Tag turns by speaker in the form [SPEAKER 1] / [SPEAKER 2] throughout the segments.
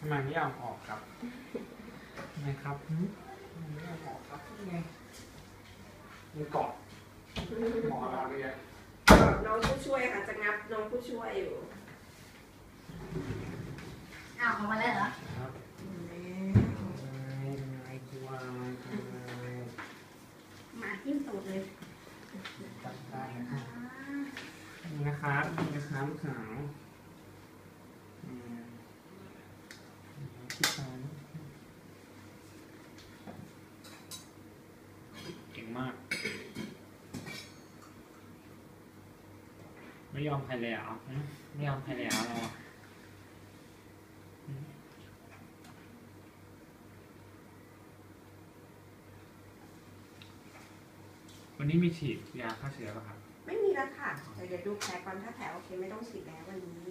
[SPEAKER 1] ทำไมไม่เอาออกครับทำไมครับไม่เอาออกครับนี่ไงมันเกาะหมอเราเลย
[SPEAKER 2] น้องผู้ช่วยค่ะจะงับน้องผู้ช่วยอยู่
[SPEAKER 3] อ้าวออกมาแล้วเหรอ
[SPEAKER 1] ครับไอ้ตัว
[SPEAKER 3] มาทิ้มตูดเลย
[SPEAKER 1] จับได้นะครับนี่นะครับนี่นะครับขาวที่ฟ้าเก่งมากไม่ยอมใครเลยเหรอไม่ยอมใครเลยเหรอเราวันนี้มีฉีดยาฆ่าเชื้อป่ะครับ
[SPEAKER 2] ไม่มีแล้วค่ะแต่เดี๋ยวดูแผลก่อนถ้าแผลโอเคไม่ต้องฉีดแล้ววันนี้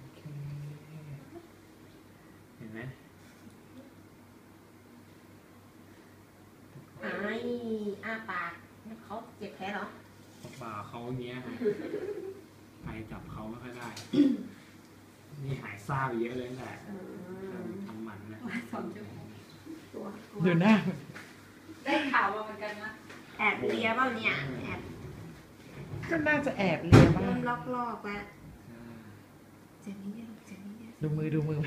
[SPEAKER 1] เห็นไหม
[SPEAKER 3] ปากเขาเจ็บแผลเหรอ
[SPEAKER 1] ป่าเขาเงี้ยไปจับเขาไม่ค่อยได้นี่หายซ่าไปเยอะเลยแหละทำหมันนะ
[SPEAKER 2] ดูหน้า
[SPEAKER 3] ได้ข่าวมาเหมือนกันนะ
[SPEAKER 2] แอบเลียเปล่าเนี่ยแอบ
[SPEAKER 4] ก็น่าจะแอบเลียบ้าง
[SPEAKER 2] เริ่มลอกแล้วเจ็บนิดเดียวเจ็บนิดเดียว
[SPEAKER 4] ดูมือเดินดูมือ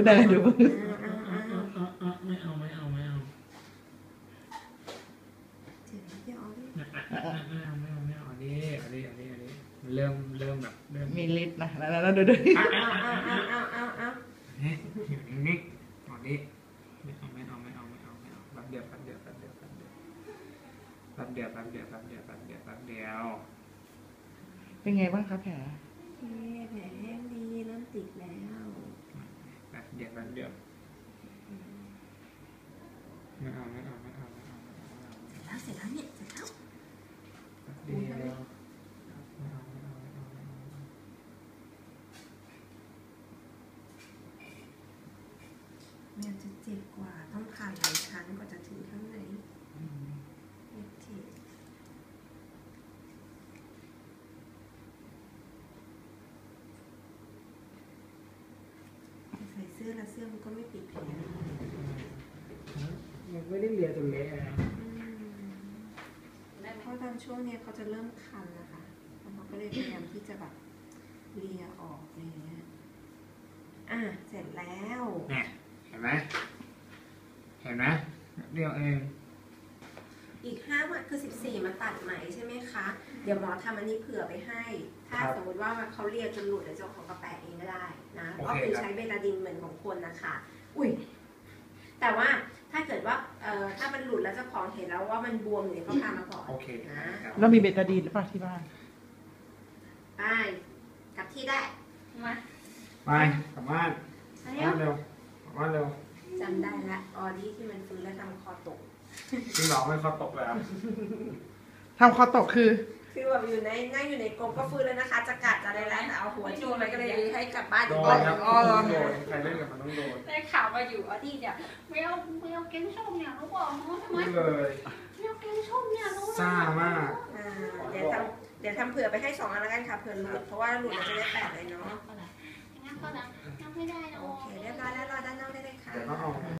[SPEAKER 1] ไม่เอา
[SPEAKER 2] เจ็บนิดเดียว
[SPEAKER 1] ไม่เอาดิเริ่มแบบเริ่ม
[SPEAKER 4] มีฤทธิ์นะแล้วดู
[SPEAKER 1] อยู่นิ่งๆตอนนี้ไม่เอาแป๊บเดียว
[SPEAKER 4] เป็นไงบ้างคะแผล
[SPEAKER 2] แผลแห้งดีเริ่มติดแล้ว
[SPEAKER 1] แป๊บเดียวไม่เอา
[SPEAKER 3] เสร็จแล้วเนี่ยเสร็จแล้ว
[SPEAKER 1] แป๊บเดียว
[SPEAKER 2] มันจะเจ็บกว่าต้องผ่านหลายชั้นกว่าจะถึงข้างในเจ็บใส่เสื้อแล้วเสื้อมันก็ไม่ปิดแผล
[SPEAKER 1] มันไม่ได้เลียจนเละนะ
[SPEAKER 2] เพราะตอนช่วงนี้เขาจะเริ่มคันนะคะแล้วเขาก็เลยพยายามที่จะแบบเลียออกอะไรเงี้ยเสร็จแล้ว
[SPEAKER 1] เนี่ยเห็นไหมเดียวเอง
[SPEAKER 2] อีก5 วันคือ14มาตัดไหมใช่ไหมคะเดี๋ยวหมอทำอันนี้เผื่อไปให้ถ้าสมมติว่าเขาเลียจนหลุดเดี๋ยวเจ้าของกระแปะเองก็ได้นะก็คือใช้เบตาดินเหมือนของคนนะคะอุ้ยแต่ว่าถ้าเกิดว่าถ้ามันหลุดแล้วเจ้าของเห็นแล้วว่ามันบวมเนี่ยเขาพามาก่อน
[SPEAKER 1] โอเค
[SPEAKER 2] นะ
[SPEAKER 4] เรามีเบตาดีนหรือเปล่าที่บ้าน
[SPEAKER 2] ไปกลับที่ได้มา
[SPEAKER 1] ไปกลับบ้านเร็ว
[SPEAKER 2] จำได้ละออดี้ที่มันฟื้นแล้วทำคอตก
[SPEAKER 1] ที่หลอกไม่คอตกเลย
[SPEAKER 4] ทำคอตกคือ
[SPEAKER 2] แบบนั่งอยู่ในกรงก็ฟื้นแล้วนะคะจะกัดจะอะไรแล้วแต่เอาหัวที่ไปก็เลยให้กลับบ้าน
[SPEAKER 1] โดนครับโดนใครเล่นกับมันต้องโดน
[SPEAKER 3] ได้ข่าวมาอยู่ออดี้เนี่ยไม่เอาเก้งส้มเนี่ยรู้บอกน้องทำไม
[SPEAKER 1] เลย
[SPEAKER 3] ไม่เอาเก้งส้มเนี่ยรู้
[SPEAKER 1] ซ่ามาก
[SPEAKER 2] เดี๋ยวทำเผื่อไปให้2 อันแล้วกันค่ะเผื่อหลุดเพราะว่าหลุดจะได้แปะเลยเนาะ
[SPEAKER 3] งั้นก็ได้ยังไม่ได้นะ
[SPEAKER 2] โอเคเรียบร้อยแล้วรอด้านนอกได้เลยค่ะ